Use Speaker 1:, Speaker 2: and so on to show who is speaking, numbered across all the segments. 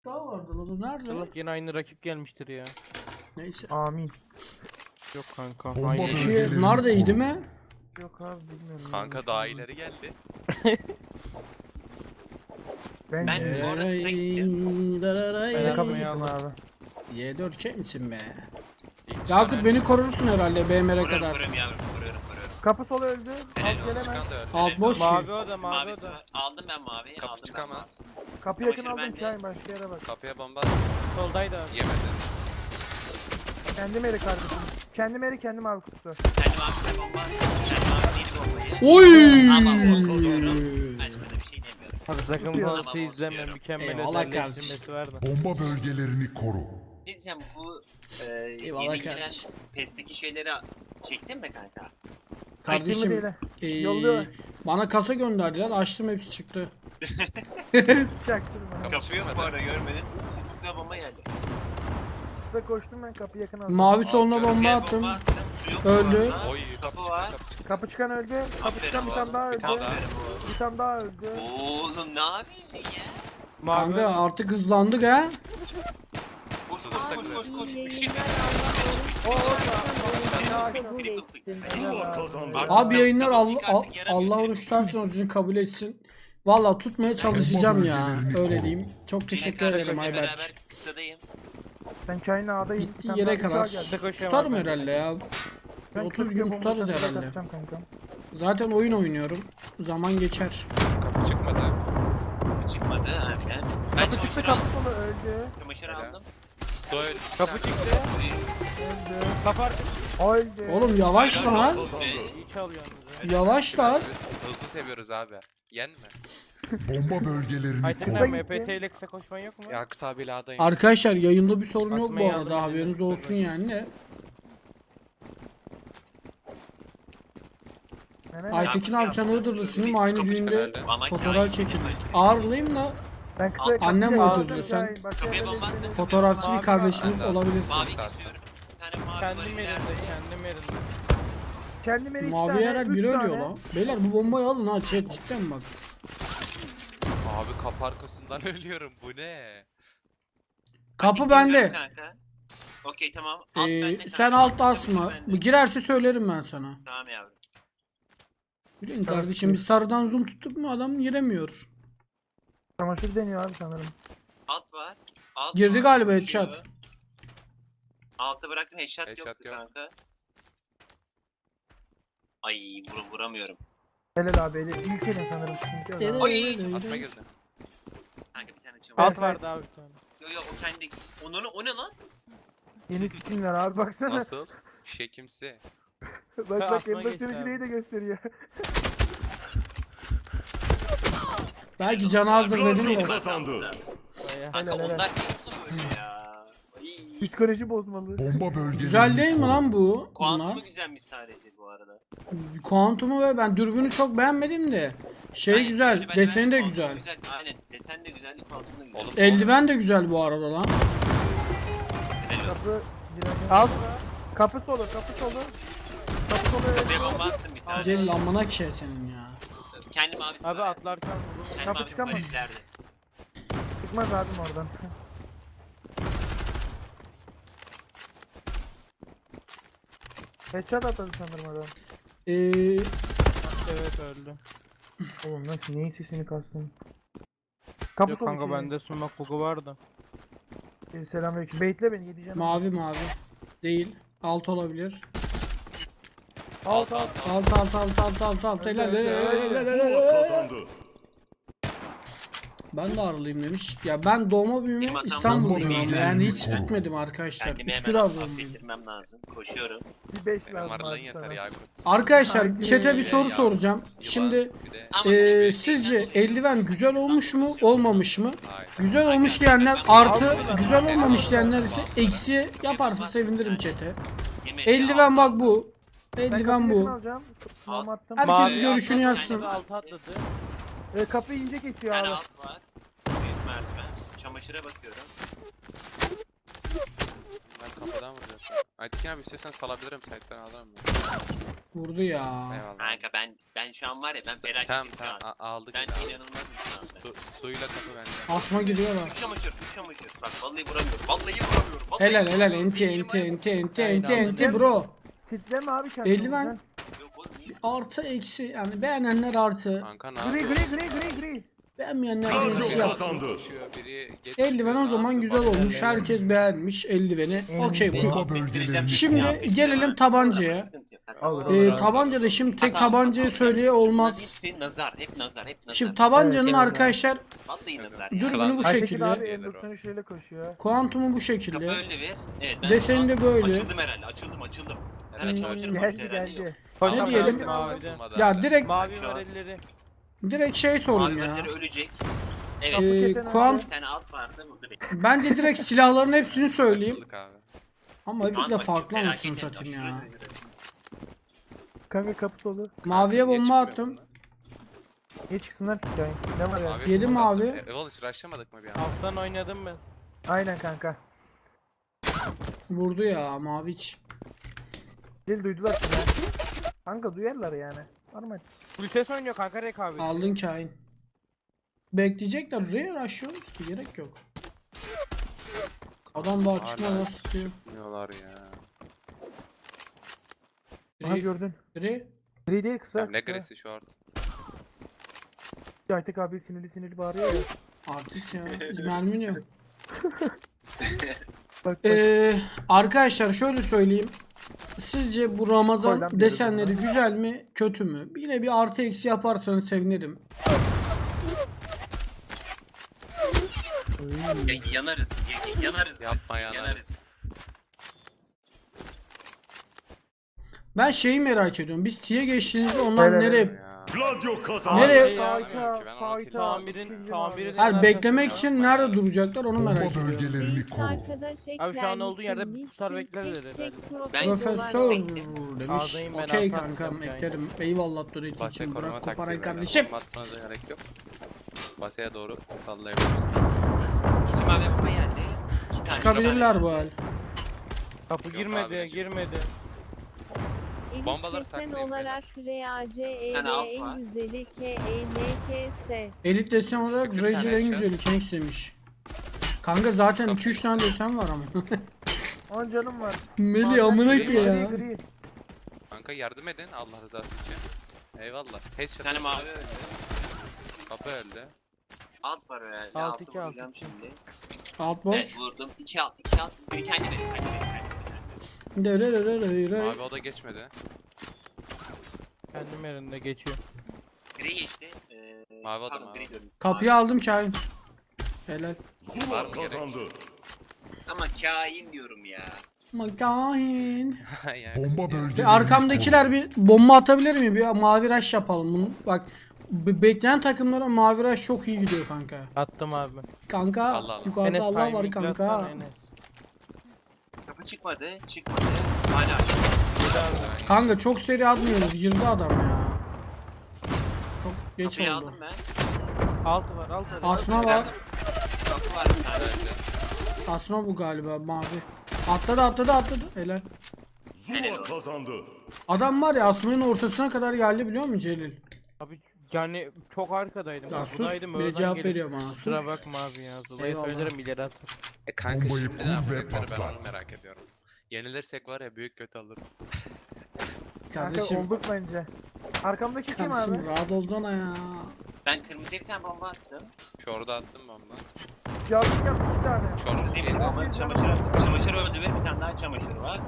Speaker 1: daha vardı lan. O nerede?
Speaker 2: İnşallah yine aynı rakip gelmiştir ya.
Speaker 1: Neyse.
Speaker 3: Amin.
Speaker 2: Yok kanka.
Speaker 4: Bomba
Speaker 2: Aynı.
Speaker 4: bölgelerini
Speaker 1: Bunlar da iyi
Speaker 4: koru.
Speaker 1: değil mi?
Speaker 3: Yok abi bilmiyorum.
Speaker 5: Kanka daha ileri geldi.
Speaker 3: Ben
Speaker 6: Ben bu arada size gittim.
Speaker 2: Ben
Speaker 3: kabul
Speaker 2: yapmayı
Speaker 3: ettim
Speaker 2: aldım.
Speaker 3: abi.
Speaker 1: Y4 çek misin be?
Speaker 5: İlk
Speaker 1: Yakup
Speaker 5: çıkan
Speaker 1: beni korursun herhalde BMR'e
Speaker 6: Koruyorum
Speaker 1: kadar.
Speaker 6: koruyorum yavrum koruyorum.
Speaker 3: Kapı sol öldü.
Speaker 6: Helal
Speaker 3: Alt
Speaker 6: olsun,
Speaker 3: gelemez.
Speaker 5: çıkan da öldü.
Speaker 1: Alt boş
Speaker 2: Mavi
Speaker 1: ki.
Speaker 2: o da mavi o
Speaker 6: Mavisi
Speaker 2: da.
Speaker 6: var. Aldım ben maviyi.
Speaker 5: Kapı
Speaker 6: Aldım
Speaker 5: çıkamaz.
Speaker 3: Kapı yakın
Speaker 6: Çamaşır
Speaker 3: aldım
Speaker 6: bende.
Speaker 3: Şahin başka yere bak.
Speaker 5: Kapıya bomba
Speaker 2: Soldaydı abi.
Speaker 5: yemedi.
Speaker 3: Kendim eri kardeşim. Kendim eri kendim abi kutusu.
Speaker 6: ben. Kendi mavisine bomba attım. Kendi mavisiyle bombayı.
Speaker 1: Oy!
Speaker 6: Ama korkuyorum. Başka da bir şey demiyorum.
Speaker 2: Abi sakın
Speaker 3: Tutuyor.
Speaker 2: bu nasıl izleme
Speaker 6: Tutuyorum.
Speaker 2: mükemmel
Speaker 1: Eyvallah
Speaker 2: özelleştirmesi var da.
Speaker 4: Bomba bölgelerini koru.
Speaker 6: Diyeceğim bu
Speaker 1: Eyvallah
Speaker 6: yeni gelen
Speaker 1: kardeşim.
Speaker 6: PES'teki şeyleri çektin mi kanka?
Speaker 1: Kardeşim
Speaker 3: Yolluyor.
Speaker 1: bana kasa gönderdiler. Açtım hepsi çıktı.
Speaker 3: Çaktırma.
Speaker 6: Kapı yok bu arada görmedin. Çok da bomba geldi.
Speaker 3: Kısa koştum ben kapı yakın aldım.
Speaker 1: Mavi soluna bomba
Speaker 6: Kapıya
Speaker 1: attım.
Speaker 6: Su yok bu
Speaker 1: Öldü.
Speaker 6: arada.
Speaker 5: Oy
Speaker 6: Kapı
Speaker 5: kapı
Speaker 6: var.
Speaker 5: çıktı, kapı çıktı.
Speaker 3: Kapı çıkan öldü. Kapı
Speaker 6: Aferin
Speaker 3: çıkan bir tane daha
Speaker 6: oğlum.
Speaker 3: öldü.
Speaker 5: Bir tane daha.
Speaker 6: Aferin oğlum.
Speaker 3: Bir tane daha öldü.
Speaker 6: Oğlum ne yapıyorsun ya?
Speaker 2: Mavi
Speaker 1: Kanka artık hızlandık ha.
Speaker 6: Koş koş koş koş koş. Üçlü
Speaker 1: Abi yayınlar Allah oruçtan sonucunu kabul etsin. Valla tutmaya çalışacağım ya. Öyle diyeyim. Çok teşekkür ederim Ayberk.
Speaker 6: Beraber kısadayım.
Speaker 3: Ben Kain'le A'dayım. Bir
Speaker 1: Gittiği
Speaker 3: tane
Speaker 1: yere
Speaker 3: daha uçağa
Speaker 1: kadar
Speaker 3: geldi.
Speaker 2: koşuyorum
Speaker 1: tutarım
Speaker 2: abi.
Speaker 1: herhalde ya.
Speaker 3: Ben
Speaker 1: 30
Speaker 3: kısa
Speaker 1: gün
Speaker 3: bomba
Speaker 1: tutarız
Speaker 3: atacağım,
Speaker 1: herhalde.
Speaker 3: atacağım kankam.
Speaker 1: Zaten oyun oynuyorum. Zaman geçer.
Speaker 5: Kapı çıkmadı.
Speaker 6: Çıkmadı aynen. Ben
Speaker 3: Kapı çıktı
Speaker 6: çamaşır
Speaker 3: kapı
Speaker 6: aldım.
Speaker 3: solu öldü.
Speaker 6: Çamaşır
Speaker 5: Helal.
Speaker 6: aldım.
Speaker 5: Doyle.
Speaker 2: Kapı çıktı.
Speaker 3: Öldü.
Speaker 2: Kapar.
Speaker 3: Öldü.
Speaker 1: Oğlum yavaş lan.
Speaker 2: İyi çalıyorsunuz.
Speaker 1: Yavaşlar.
Speaker 5: Hızlı seviyoruz abi. Yenme.
Speaker 4: Bomba bölgelerini
Speaker 2: Aytekin
Speaker 4: koru.
Speaker 2: abi MPT ile kısa koşman yok mu?
Speaker 5: Yakıt abiyle adayım.
Speaker 1: Arkadaşlar yayında bir sorun yok bu
Speaker 2: Atmayı
Speaker 1: arada.
Speaker 2: aldım
Speaker 1: Haberiniz
Speaker 2: elime.
Speaker 1: olsun yani de.
Speaker 3: Hemen
Speaker 1: Aytekin abi sen Iğdırlısın aynı
Speaker 6: Kapı
Speaker 1: düğünde
Speaker 5: çıkan
Speaker 6: Ama
Speaker 1: fotoğraf
Speaker 6: kain-
Speaker 1: çekildik. Ağırlıyım da
Speaker 3: ben kısa
Speaker 1: Annem
Speaker 3: kapıya
Speaker 1: öldürdü
Speaker 3: aldım,
Speaker 1: sen.
Speaker 3: Şahin, başka
Speaker 6: Kapıya
Speaker 3: yerlere
Speaker 6: bomba attım.
Speaker 3: gidelim.
Speaker 1: fotoğrafçı bir
Speaker 2: Abi,
Speaker 1: kardeşimiz
Speaker 5: ben de-
Speaker 1: olabilirsin.
Speaker 6: Mavi kesiyorum. Bir tane mavi var
Speaker 2: Kendim
Speaker 6: ileride.
Speaker 2: yerinde, kendim yerinde.
Speaker 3: Kendim eri iki
Speaker 1: Mavi
Speaker 3: tane,
Speaker 1: yarak
Speaker 3: üç
Speaker 1: biri
Speaker 3: tane.
Speaker 1: ölüyor lan. Beyler bu bombayı alın ha chat cidden bak.
Speaker 5: Abi kapı arkasından ölüyorum. Bu ne?
Speaker 1: Kapı
Speaker 6: Hadi
Speaker 1: bende.
Speaker 6: kesiyorum kanka. Okey tamam. Alt bende kanka.
Speaker 1: Sen alt
Speaker 6: Çamaşır
Speaker 1: asma.
Speaker 6: bende.
Speaker 1: Bu girerse söylerim ben sana.
Speaker 6: Tamam yavrum.
Speaker 1: Bilin kardeşim biz sarıdan zoom tuttuk mu adam giremiyor.
Speaker 3: Çamaşır deniyor abi sanırım.
Speaker 6: Alt var. Alt
Speaker 1: Girdi
Speaker 6: var,
Speaker 1: galiba
Speaker 6: koşuyor.
Speaker 1: headshot.
Speaker 6: Altı bıraktım headshot,
Speaker 5: Headshot
Speaker 6: yoktu
Speaker 5: yok.
Speaker 6: kanka. Ay vuramıyorum.
Speaker 3: Helal abi eli. İlk elin sanırım. Çünkü adam-
Speaker 6: Oy!
Speaker 5: Atma girdi.
Speaker 6: Kanka bir tane çamaşır.
Speaker 2: Alt vardı abi bir tane.
Speaker 6: Yo yo o kendi. O ne lan?
Speaker 3: Yeni skinler abi baksana.
Speaker 5: Nasıl? Şekimsi.
Speaker 3: bak bak
Speaker 2: Asma
Speaker 3: emlak
Speaker 2: geçti
Speaker 3: sürücüleyi
Speaker 2: abi.
Speaker 3: de gösteriyor.
Speaker 1: Belki can azdır dedim de.
Speaker 6: Kazandı.
Speaker 2: Bayağı.
Speaker 6: Kanka
Speaker 3: Helal, helal.
Speaker 6: onlar ne oldu böyle ya? Ay.
Speaker 3: Psikoloji bozmalı.
Speaker 4: Bomba bölgelerini
Speaker 1: Güzel değil mi
Speaker 4: koru.
Speaker 1: lan bu?
Speaker 6: Kuantumu
Speaker 1: Bunlar.
Speaker 6: güzelmiş sadece bu arada.
Speaker 1: Kuantumu ve ben dürbünü çok beğenmedim de. Şey
Speaker 6: Aynen,
Speaker 1: güzel,
Speaker 6: ben-
Speaker 1: deseni de
Speaker 6: kuantumu
Speaker 1: güzel.
Speaker 6: Aynen desen de güzel, kuantum da güzel.
Speaker 5: Oğlum,
Speaker 1: Eldiven de güzel bu arada lan.
Speaker 6: Helal olsun.
Speaker 3: Kapı girelim.
Speaker 2: Alt.
Speaker 3: Kapı solu, kapı solu. Kapı solu öldü.
Speaker 6: Kapıya bomba attım bir tane.
Speaker 1: Celil amına ki senin ya.
Speaker 6: Kendi mavisi
Speaker 2: Abi
Speaker 6: var.
Speaker 2: atlarken vurdum.
Speaker 6: Kendi
Speaker 3: Kapı
Speaker 6: mavisi var
Speaker 3: çıkamaz.
Speaker 6: ileride.
Speaker 3: Çıkmaz abim oradan. Headshot atadı sanırım adam.
Speaker 2: Evet öldü.
Speaker 3: Oğlum nasıl neyin sesini kastın? Kapı
Speaker 2: Yok
Speaker 3: solu
Speaker 2: kanka
Speaker 3: iki.
Speaker 2: bende sunmak bugu vardı.
Speaker 3: Selamünaleyküm. Baitle beni gideceğim.
Speaker 1: Mavi mavi. Değil. Alt olabilir.
Speaker 3: Alt alt.
Speaker 1: Alt. Helal, helal. Ben de Aralıyım demiş. Ya ben doğma büyüme
Speaker 6: Benim hatam
Speaker 1: İstanbul'dayım
Speaker 6: değil.
Speaker 1: ama yani hiç gitmedim arkadaşlar.
Speaker 6: Kendimi
Speaker 1: Üsküdar
Speaker 6: hemen
Speaker 1: doğumluyum.
Speaker 6: affettirmem lazım. Koşuyorum.
Speaker 3: Bir 5
Speaker 5: Benim
Speaker 3: lazım
Speaker 5: aralığın
Speaker 3: abi
Speaker 5: yeter
Speaker 3: sana.
Speaker 5: Yakut.
Speaker 1: Arkadaşlar
Speaker 3: Haydi.
Speaker 1: chat'e bir soru
Speaker 5: Ya,
Speaker 1: soracağım.
Speaker 5: yılan,
Speaker 1: Şimdi
Speaker 5: bir de-
Speaker 6: Ama böyle
Speaker 1: sizce
Speaker 6: şeyler oluyor.
Speaker 1: eldiven güzel olmuş mu olmamış mı?
Speaker 5: Hayır.
Speaker 1: Güzel olmuş diyenler artı, güzel olmamış diyenler ise eksi yaparsa sevinirim chat'e.
Speaker 6: Yemek
Speaker 1: Eldiven
Speaker 6: ya.
Speaker 1: bak bu.
Speaker 3: Ben
Speaker 1: Eldiven
Speaker 3: kapıyı yakın
Speaker 1: bu.
Speaker 3: alacağım. Sınavımı attım.
Speaker 1: Herkes
Speaker 2: Mavi
Speaker 1: görüşünü
Speaker 2: atladı,
Speaker 1: yazsın.
Speaker 2: kendi altı atladı.
Speaker 3: Kapıyı ince
Speaker 6: Bir
Speaker 3: kesiyor
Speaker 6: tane
Speaker 3: abi.
Speaker 6: alt var. Büyük merdiven. Çamaşıra bakıyorum.
Speaker 5: Ben kapıdan vuruyorum. Aytekin abi istiyorsan salabilirim site'den alırım mı?
Speaker 1: Vurdu ya.
Speaker 5: Eyvallah.
Speaker 6: Kanka ben şu an var ya ben felaketim
Speaker 5: Tamam
Speaker 6: şu an.
Speaker 5: tamam aldık.
Speaker 6: Ben
Speaker 5: yine.
Speaker 6: inanılmazım şu anda.
Speaker 5: Suyla kapı bende.
Speaker 1: Asma giriyorlar.
Speaker 6: Üç çamaşır. Bak vallahi vuramıyorum. Vallahi vuramıyorum.
Speaker 1: Helal helal
Speaker 6: vuramıyorum.
Speaker 1: enti
Speaker 6: Elim
Speaker 1: enti
Speaker 6: ayağım-
Speaker 1: enti enti
Speaker 2: Aynen
Speaker 1: enti
Speaker 2: aldım.
Speaker 1: enti bro.
Speaker 3: Titreme abi kendini.
Speaker 1: Eldiven.
Speaker 6: Yok oğlum niye?
Speaker 1: Artı eksi yani beğenenler artı.
Speaker 5: Kanka ne
Speaker 3: Gri
Speaker 5: yapıyor?
Speaker 3: gri.
Speaker 1: Beğenmeyenler
Speaker 4: Radyo
Speaker 1: eksi yapsın.
Speaker 4: kazandı.
Speaker 5: Koşuyor, biri geç
Speaker 1: Eldiven o
Speaker 5: çıkıyor,
Speaker 1: zaman
Speaker 5: ne
Speaker 1: güzel
Speaker 5: yapıyor?
Speaker 1: olmuş. Herkes beğenmiş eldiveni. Okey bu.
Speaker 4: Bomba bölgelerini
Speaker 1: Şimdi
Speaker 6: Ya,
Speaker 1: gelelim tabancaya.
Speaker 6: sıkıntı yok. Hadi.
Speaker 2: Olur.
Speaker 1: Tabancada şimdi tek
Speaker 6: Hata,
Speaker 1: tabancayı
Speaker 6: hata.
Speaker 1: söyleye olmaz.
Speaker 6: Bunların hepsi nazar. Hep nazar.
Speaker 1: Şimdi tabancanın
Speaker 3: Evet,
Speaker 1: arkadaşlar
Speaker 6: Vallahi nazar
Speaker 5: Evet.
Speaker 6: ya.
Speaker 1: dürbünü bu
Speaker 3: Aytekin
Speaker 1: şekilde.
Speaker 3: abi
Speaker 5: Gelir o.
Speaker 3: M93 ile koşuyor.
Speaker 1: Kuantumu bu
Speaker 6: Kapı
Speaker 1: şekilde.
Speaker 6: öyle ver. Evet ben
Speaker 1: Deseni
Speaker 6: şu an
Speaker 1: de böyle.
Speaker 6: Açıldım herhalde. Açıldım. Herhalde çamaşırım koştu herhalde yok.
Speaker 1: Ne
Speaker 2: Tamam,
Speaker 1: diyelim?
Speaker 2: Mavide.
Speaker 1: Ya direkt
Speaker 2: Mavi
Speaker 6: Şu
Speaker 2: var
Speaker 6: an.
Speaker 2: elleri.
Speaker 1: şey sorun
Speaker 6: Mavi
Speaker 1: ya.
Speaker 6: bölgeleri ölecek.
Speaker 3: Kapı
Speaker 6: Evet.
Speaker 3: kesen
Speaker 1: Kuant
Speaker 6: Bir tane alt vardı. Burada bir.
Speaker 1: bence direkt silahların hepsini söyleyeyim.
Speaker 5: Açıldık abi.
Speaker 1: Ama hepsi de
Speaker 6: Kanka,
Speaker 1: farklı
Speaker 6: felaket
Speaker 1: anasını
Speaker 6: hem de
Speaker 1: satayım ya.
Speaker 6: aşırı derecede.
Speaker 3: Kanka kapı dolu.
Speaker 1: Maviye
Speaker 5: Niye
Speaker 1: bomba
Speaker 5: çıkmıyor
Speaker 1: attım.
Speaker 5: bunlar?
Speaker 3: Niye çıksınlar ki yani? Ne var ya?
Speaker 5: Mavi
Speaker 1: Yedi
Speaker 5: smoke
Speaker 1: mavi.
Speaker 5: attım. Eval hiç rushlamadık mı bir an?
Speaker 2: Alttan oynadım ben.
Speaker 3: Aynen kanka.
Speaker 1: Vurdu ya Maviç.
Speaker 3: Dil duydular seni. ha. Kanka duyarlar yani. Normal.
Speaker 2: Full ses oynuyor kanka rekabet.
Speaker 1: Aldın kain. Bekleyecekler. Rare aşıyoruz ki gerek yok. Adam daha çıkmadan sıkıyor.
Speaker 5: Çıkmıyorlar ya.
Speaker 3: Aha
Speaker 1: Gri.
Speaker 3: gördün.
Speaker 1: Gri.
Speaker 3: Gri değil kısa.
Speaker 5: Ya ne
Speaker 3: kısa.
Speaker 5: gresi short.
Speaker 3: Aytek abi sinirli bağırıyor ya.
Speaker 1: Artist ya. Mermin yok.
Speaker 3: Bak bak.
Speaker 1: Arkadaşlar şöyle söyleyeyim. Sizce bu
Speaker 3: Koy lan
Speaker 1: Ramazan
Speaker 3: bir
Speaker 1: desenleri
Speaker 3: yere
Speaker 1: güzel mi kötü mü? Yine bir artı eksi yaparsanız sevinirim.
Speaker 6: Yanarız. Yanarız.
Speaker 5: Yapma yanarız.
Speaker 6: Yanarız.
Speaker 1: Ben şeyi merak ediyorum. Biz T'ye geçtiğinizde onlar
Speaker 3: Evet,
Speaker 1: nereye...
Speaker 5: Ya.
Speaker 4: Gladio kazandı.
Speaker 1: Nereye-
Speaker 2: Abi,
Speaker 3: Sayta,
Speaker 5: ki, ben onu
Speaker 3: sayta.
Speaker 2: Tamirin
Speaker 3: ikinci
Speaker 2: tamiri
Speaker 3: mavi.
Speaker 1: Hayır beklemek
Speaker 5: Ya.
Speaker 1: için nerede duracaklar onu merak
Speaker 4: Bomba
Speaker 1: ediyorum.
Speaker 4: bölgelerini koru.
Speaker 2: Abi şu an olduğu yerde tutar beklerler herhalde.
Speaker 1: Profesör demiş.
Speaker 2: Ağzayım ben,
Speaker 1: Okey
Speaker 2: altan
Speaker 1: kankam
Speaker 2: yapacağım
Speaker 1: eklerim. Eyvallah Dorit
Speaker 5: Basya
Speaker 1: için
Speaker 5: koruma
Speaker 1: bırak
Speaker 5: taktiği
Speaker 1: koparayım
Speaker 5: böyle.
Speaker 1: kardeşim.
Speaker 5: Bomba atmanıza gerek yok. Basya'ya doğru sallayabilirsiniz.
Speaker 6: İkinci mavi bomba geldi. İki tane
Speaker 1: Çıkabilirler bu hal.
Speaker 2: Kapı
Speaker 5: Yok
Speaker 2: girmedi
Speaker 5: abi,
Speaker 2: girmedi.
Speaker 5: Bombaları
Speaker 7: Elit desen
Speaker 5: saklayın
Speaker 7: olarak
Speaker 6: Sen alt var.
Speaker 7: RACEE150 KENKS.
Speaker 1: Elit desen olarak
Speaker 5: Çıkın bir
Speaker 1: Rage
Speaker 5: tane
Speaker 1: en
Speaker 5: aşağı.
Speaker 1: güzeli Kenix demiş. Kanka zaten 2-3 tane desen var ama.
Speaker 3: 10 canım var.
Speaker 1: Meli amına ki ya.
Speaker 3: Gri.
Speaker 5: Kanka yardım edin Allah rızası için. Eyvallah.
Speaker 6: Bir
Speaker 5: Headshot.
Speaker 6: tane mavi öldü.
Speaker 5: Kapı öldü.
Speaker 6: Alt var herhalde.
Speaker 2: Alt,
Speaker 6: Altı
Speaker 2: iki, alt,
Speaker 6: vuracağım
Speaker 2: iki.
Speaker 6: şimdi.
Speaker 1: Alt boş.
Speaker 6: Evet vurdum. 2 alt. Bir kendi verin.
Speaker 5: Mavi oda geçmedi.
Speaker 2: Kendim yerinde geçiyor.
Speaker 6: Gri geçti.
Speaker 5: Mavi adam
Speaker 6: pardon,
Speaker 5: abi.
Speaker 6: gri diyorum.
Speaker 1: Kapıyı aldım kain. Helal.
Speaker 5: Var
Speaker 4: Zula
Speaker 5: mı gerek?
Speaker 4: kazandı.
Speaker 6: Ama kain diyorum ya.
Speaker 1: Ama kain.
Speaker 5: yani.
Speaker 4: Bomba bölgelerini
Speaker 1: Bir arkamdakiler bir bomba atabilir mi? Bir mavi rush yapalım bunu. Bak bekleyen takımlara mavi rush çok iyi gidiyor kanka.
Speaker 2: Attım abi.
Speaker 1: Kanka
Speaker 5: Allah Allah.
Speaker 1: yukarıda
Speaker 2: Enes
Speaker 1: Allah var
Speaker 2: timing
Speaker 1: kanka.
Speaker 2: atsana Enes.
Speaker 6: Kapı çıkmadı. Hala açtı.
Speaker 1: Kanka çok seri atmıyoruz. Girdi adam ya. Çok geç
Speaker 6: Kapıyı
Speaker 1: oldu.
Speaker 6: aldım ben.
Speaker 2: Altı var altı var.
Speaker 1: Asma var.
Speaker 6: Kapı var bir tane.
Speaker 1: Asma bu galiba mavi. Atladı. Helal.
Speaker 4: Zula kazandı.
Speaker 1: Adam var ya Asma'nın ortasına kadar geldi biliyor musun Celil?
Speaker 2: Abi yani çok arkadaydım.
Speaker 1: Ya
Speaker 2: Bak,
Speaker 1: sus.
Speaker 2: buradaydım,
Speaker 1: Bir de
Speaker 2: oradan
Speaker 1: cevap
Speaker 2: gelip-
Speaker 1: veriyor bana.
Speaker 2: Kusura
Speaker 1: Sus.
Speaker 2: bakma abi ya. Dolayı
Speaker 1: Eyvallah.
Speaker 2: söylerim ileri atar.
Speaker 5: Kanka
Speaker 4: Bombayı
Speaker 5: şimdi
Speaker 4: kur
Speaker 5: ne
Speaker 4: ve
Speaker 5: yapacakları ben
Speaker 4: patlat.
Speaker 5: onu merak ediyorum. Yenilirsek var ya büyük kötü alırız.
Speaker 3: Kanka
Speaker 1: Kardeşim.
Speaker 3: olduk bence. Arkamdaki kim
Speaker 1: Kardeşim
Speaker 3: abi?
Speaker 1: rahat olsana ya.
Speaker 6: Ben kırmızıya bir tane bomba attım.
Speaker 5: Şorda attım bomba.
Speaker 3: Yanlış yaptı 2 tane.
Speaker 6: Kırmızıya bir bomba çamaşır attım. Çamaşır öldü ve bir tane daha çamaşır var.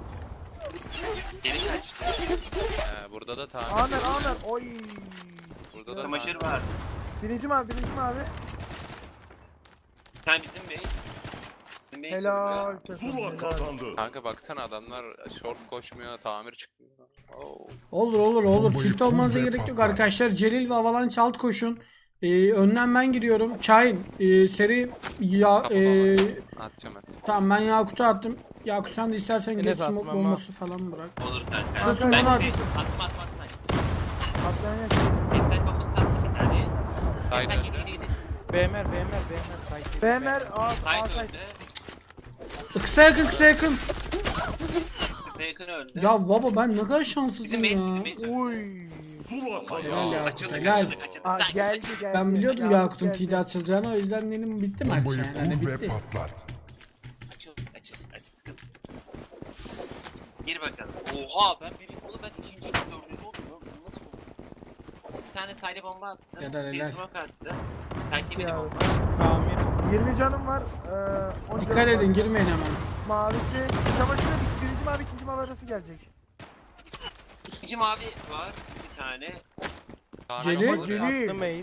Speaker 6: Geri kaçtı.
Speaker 5: Burada da tamir.
Speaker 3: Amer. Oy.
Speaker 5: Burada da
Speaker 6: Çamaşır
Speaker 5: tamir.
Speaker 6: var.
Speaker 3: Birinci mavi.
Speaker 6: Bir tane bizim base. Bizim base
Speaker 3: Helal.
Speaker 6: öldü.
Speaker 4: Zula kazandı.
Speaker 5: Kanka baksana adamlar short koşmuyor, tamir çıkmıyor. Oo.
Speaker 1: Olur.
Speaker 4: Bombayı
Speaker 1: Tilt olmanıza
Speaker 4: kur ve
Speaker 1: gerek yok
Speaker 4: patlat.
Speaker 1: arkadaşlar. Celil ve Avalanche alt koşun. Önden ben giriyorum. Şahin seri ya
Speaker 5: Kapı bombası. Atacağım.
Speaker 1: tamam ben Yakut'a attım. Yakut sen de istersen
Speaker 2: Enes
Speaker 1: geç smoke
Speaker 2: atmam
Speaker 1: bombası falan bırak.
Speaker 6: Olur kanka.
Speaker 1: Sasın
Speaker 6: Ben
Speaker 1: bana
Speaker 6: şey
Speaker 1: at.
Speaker 6: attım.
Speaker 3: Atlayan
Speaker 6: Esel bombası taktım bir tane. Esel
Speaker 5: Haydi.
Speaker 6: geri.
Speaker 2: BMR sayısı.
Speaker 3: BMR A
Speaker 6: Sait
Speaker 3: site.
Speaker 6: öldü.
Speaker 1: Kısa yakın.
Speaker 6: Kısa yakın öldü.
Speaker 1: Ya baba ben ne kadar
Speaker 6: Bizim
Speaker 1: şanssızım
Speaker 6: base,
Speaker 1: ya.
Speaker 6: bizim base öldü.
Speaker 3: Uy.
Speaker 4: Zula
Speaker 1: Helal
Speaker 4: kazandı.
Speaker 1: ya.
Speaker 6: Açıldık,
Speaker 1: Helal.
Speaker 6: açıldık.
Speaker 3: Aa,
Speaker 6: Sen
Speaker 3: geldi
Speaker 6: açıldık.
Speaker 3: geldi.
Speaker 1: Ben biliyordum
Speaker 3: Yakup
Speaker 1: Yakut'un
Speaker 3: geldi.
Speaker 1: TD açılacağını, o yüzden benim bitti maç
Speaker 8: Bombayı
Speaker 1: yani. Hani
Speaker 8: kur ve
Speaker 1: bitti.
Speaker 8: patlat.
Speaker 6: Açıldık. Sıkıntı yok, sıkıntı yok. Gir bakalım. Oha ben birinci, oğlum ben ikinci, dördüncü oldum lan. Bu nasıl oldu? Bir tane side bomba attım.
Speaker 1: Helal,
Speaker 6: Seri
Speaker 1: helal.
Speaker 6: smoke attı. Side'li bir
Speaker 3: Ya.
Speaker 6: bomba.
Speaker 2: Tamir.
Speaker 3: 20 canım var. 10
Speaker 1: Dikkat
Speaker 3: canım
Speaker 1: edin,
Speaker 3: var.
Speaker 1: girmeyin hemen.
Speaker 3: Mavisi. Çamaşırı birinci mavi ikinci mavi arası gelecek.
Speaker 6: İkinci mavi var. Bir tane.
Speaker 1: Celi?
Speaker 2: Attım ace.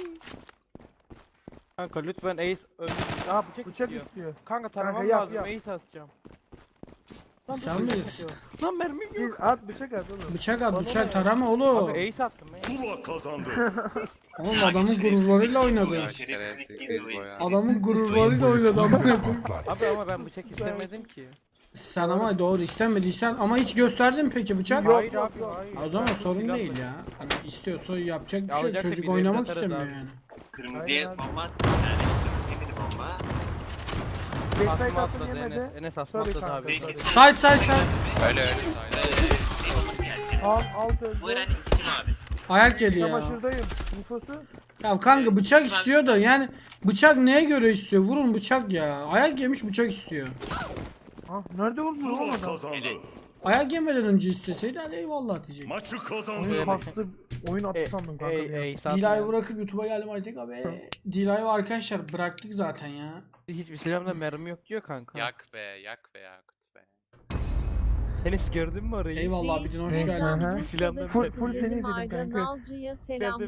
Speaker 2: Kanka lütfen ace önce. Aa bıçak,
Speaker 3: Bıçak
Speaker 2: istiyor.
Speaker 3: istiyor.
Speaker 2: Kanka taramam
Speaker 3: yap,
Speaker 2: lazım
Speaker 3: yap.
Speaker 2: ace atacağım. Lan
Speaker 1: Sen
Speaker 2: bıçak
Speaker 1: bilirsin.
Speaker 2: istiyor. Lan mermim
Speaker 3: Gir,
Speaker 2: yok.
Speaker 3: at bıçak at oğlum.
Speaker 1: Bıçak at,
Speaker 3: Bana
Speaker 1: bıçak
Speaker 3: ne?
Speaker 1: tarama oğlum.
Speaker 2: Abi ace attım ace.
Speaker 4: Zula kazandı.
Speaker 1: Oğlum adamın gururlarıyla oynadı.
Speaker 6: Şerefsizlik gizli.
Speaker 1: Adamın gururlarıyla oynadı amına koyayım.
Speaker 8: Patlat.
Speaker 2: Abi ama ben bıçak istemedim ki.
Speaker 1: Sen ama doğru istemediysen ama hiç gösterdin mi peki bıçak?
Speaker 3: Yok,
Speaker 2: Hayır
Speaker 3: yok,
Speaker 2: abi
Speaker 3: yok.
Speaker 2: hayır.
Speaker 1: O zaman
Speaker 2: Ben
Speaker 1: sorun
Speaker 2: silah
Speaker 1: değil
Speaker 2: bıçak-
Speaker 1: ya. Hani istiyorsa yapacak bir
Speaker 2: Ya
Speaker 1: şey.
Speaker 2: olacaksa
Speaker 1: Çocuk
Speaker 2: bir de
Speaker 1: oynamak
Speaker 2: atarız
Speaker 1: istemiyor
Speaker 2: abi.
Speaker 1: yani.
Speaker 6: Kırmızıya
Speaker 3: Aynen.
Speaker 6: bomba attı. Bir tane kırmızıya bir bomba.
Speaker 3: Backside
Speaker 2: Asma
Speaker 3: attım
Speaker 2: atladı
Speaker 3: yemedi.
Speaker 2: Enes. Enes asma
Speaker 3: Sorry
Speaker 2: atladı
Speaker 3: kanka,
Speaker 2: abi.
Speaker 6: Belki
Speaker 3: sorry.
Speaker 1: Side side side.
Speaker 5: Öyle öyle sayılır.
Speaker 6: şey bombası geldi.
Speaker 3: Alt öldü.
Speaker 6: Bu herhalde ikinci mavi.
Speaker 1: Ayak yedi ya.
Speaker 3: Çamaşırdayım. Infosu.
Speaker 1: Ya kanka bıçak istiyor da yani bıçak neye göre istiyor? Vurun bıçak ya. Ayak yemiş bıçak istiyor.
Speaker 3: Ha, nerede vurdu oğlum
Speaker 4: Zula
Speaker 3: adam?
Speaker 4: kazandı.
Speaker 1: Ayak yemeden önce isteseydi hadi eyvallah diyecek.
Speaker 4: Maçı
Speaker 3: Oyun
Speaker 4: kazandı.
Speaker 3: kastı. Oyun attı sandım kanka. bir an.
Speaker 2: Ace
Speaker 1: Dila'yı
Speaker 2: atmıyor.
Speaker 1: bırakıp YouTube'a geldim Aytek abi. Dila'yı arkadaşlar bıraktık zaten ya.
Speaker 2: Hiçbir silahımda mermi yok diyor kanka.
Speaker 5: Yak be yak be Yakut be.
Speaker 2: Enes gördün mü orayı?
Speaker 1: Eyvallah bir gün hoş
Speaker 3: Hı hı.
Speaker 1: geldin.
Speaker 2: Silahlar
Speaker 3: Full seni izledim kanka.
Speaker 7: Nalcı'ya selam.